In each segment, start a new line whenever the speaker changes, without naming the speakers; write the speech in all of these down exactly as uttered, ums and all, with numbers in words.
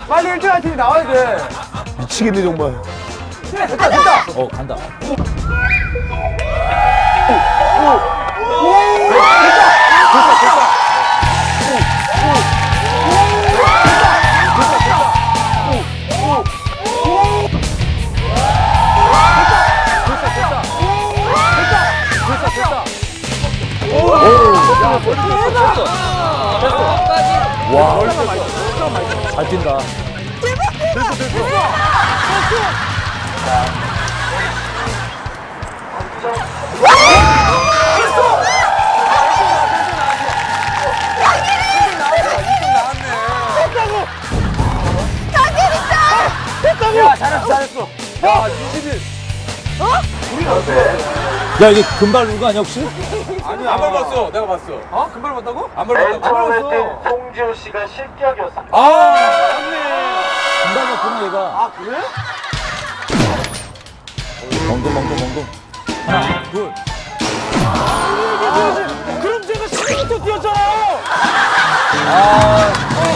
빨리 일 등 할 팀이 나와야 돼.
미치겠네 정말.
그래, 됐다, 됐다.
어 간다. 와, 잘 뛴다.
야, 잘했어, 잘했어.
야 이십일.
야 이게 금발 누구 아니야 혹시?
아니야. 안 밟았어. 내가 봤어.
어? 금발 봤다고?
안
맨
밟았다고.
처음에
밟았어.
뛴 송지효 씨가 실격이었습니다.
아 맞네.
금발 같구나 얘가.
아, 그래?
멍둥 멍둥 멍둥. 하나 둘.
그럼 제가 십일부터 뛰었잖아요.
아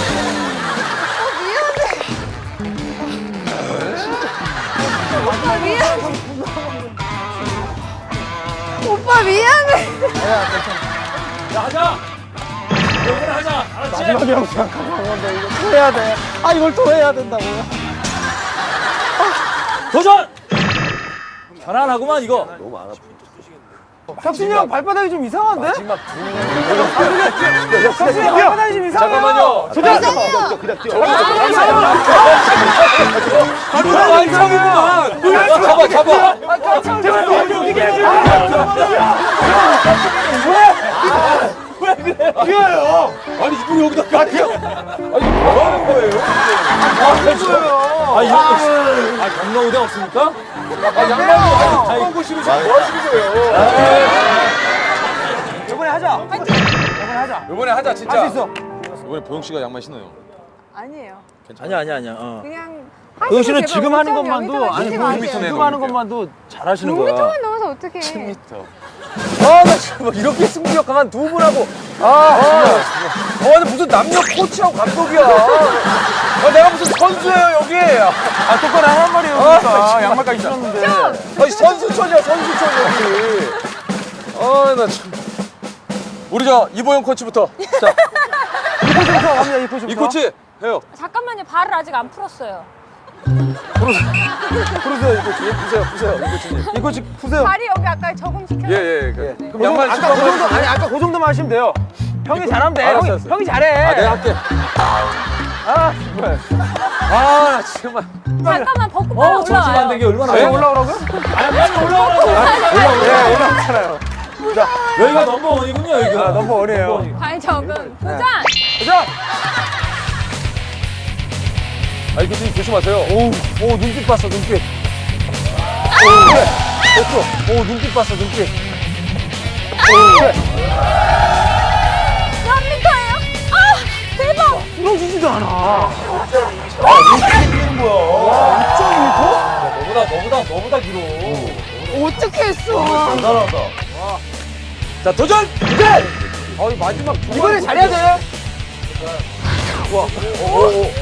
오빠 미안해. 오빠 미안해.
야, 하자. 이번에 하자. 알았지?
마지막이라고 생각하고 한 건데, 이거 또 해야 돼. 아, 이걸 또 해야 된다고.
도전. 편안하구만 이거.
혁신이 형 발바닥이 좀 이상한데?
마지막
혁신이 형 발바닥이 좀 이상해요.
잠깐만요.
도전!
그냥 뛰어.
이거 완성이구만. 잡아 잡아.
제발 좀 움직이게 해줘. 왜? 왜 그래요? 뛰어요.
아니 이분이 여기다 가려. 아니 뭐 하는 거예요?
아 이거 아 경로 의대 없습니까?
아 양말도 아니 하고 싶으면 뭐 하시는 거예요?
이번에 하자. 이번에 하자.
이번에 하자 진짜.
할 수 있어.
이번에 보영 씨가 양말 신어요.
아니에요.
아니야 아니야 아니야. 어.
그냥.
도영 씨는
하시고
지금
제발
하는
오 점
것만도
영미터만
아니
뛰지
보영
마세요.
씨 지금 하는 것만도 잘하시는 거야.
육 미터만 넘어서 어떡해.
십 미터.
아, 나 지금 막 이렇게 승부욕 강한 두 분하고. 아, 아, 어, 무슨 남녀 코치하고 감독이야. 아, 내가 무슨 선수예요, 여기. 아, 똑바로 하란 말이에요, 그러니까. 양말까지 신었는데. 아니, 선수촌이야, 선수촌, 여기. 아, 나 참. 우리 저 이보영 코치부터. 자. 이 코치부터 갑니다, 이 코치부터.
이 코치 해요.
잠깐만요. 발을 아직 안 풀었어요.
풀으세요, 이 코치. 푸세요, 푸세요, 이 코치님. 이 코치 푸세요.
발이 여기 아까 적응시켜요.
예, 예. 그,
예.
그럼 양말
아까 그
신고
정도, 아니, 아까 그 정도만 하시면 돼요. 형이 잘하면 돼.
알았어,
형이,
알았어.
형이 잘해.
아, 내가 할게.
아, 정말. 아, 나 정말.
잠깐만 벗고
어
빨리
정신 안
올라와요.
되게 얼마나.
왜 올라오라고요?
아니 빨리 올라오라고.
예, 올라오잖아요. 자,
여기가 넘버원이군요 여기가.
아, 너무 어려요.
발 적응. 도전.
자,
아, 이 코치 조심하세요.
오, 오, 눈빛 봤어, 눈빛. 오, 그래. 됐어. 오, 눈빛 봤어, 눈빛. 오, 그래.
몇 미터예요? 아 대박.
부러지지도 않아.
아, 이렇게 뛰는 거야.
오 점 이 미터?
너보다 너보다 너보다 길어.
어떻게 했어?
잘한다.
자, 도전!
이제! 어, 이 마지막 두 이번에 잘해야 돼. 우와. 오, 오, 오.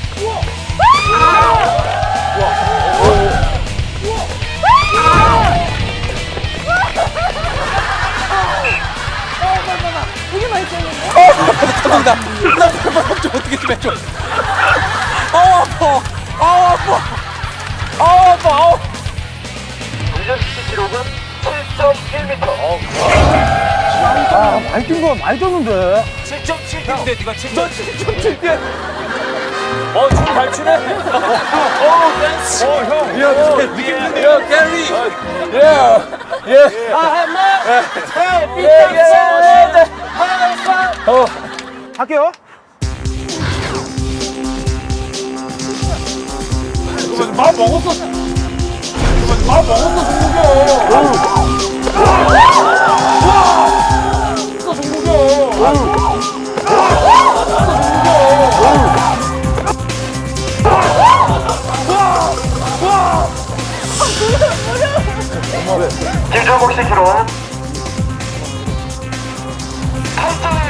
되게 많이 뛰었는데.
감사합니다. 나 발바닥 좀 어떻게 좀 해줘. 아우, 아파. 아우, 아파. 아우, 아파. 아우.
문전 씨 기록은 칠 점 일 미터.
아, 많이 뛴 거 많이 뛰었는데.
칠 점 칠 인데 네가 칠
저
점
칠 점 칠 대.
어, 춤 잘 추네. 어, 댄스.
어, 형.
야, 느낌 있는데. 야, 게리. 예. 예.
아, 마.
예, 예.
어. 할게요.
밥 먹었어. 밥 먹었어,
김종국 씨 기록은 팔 점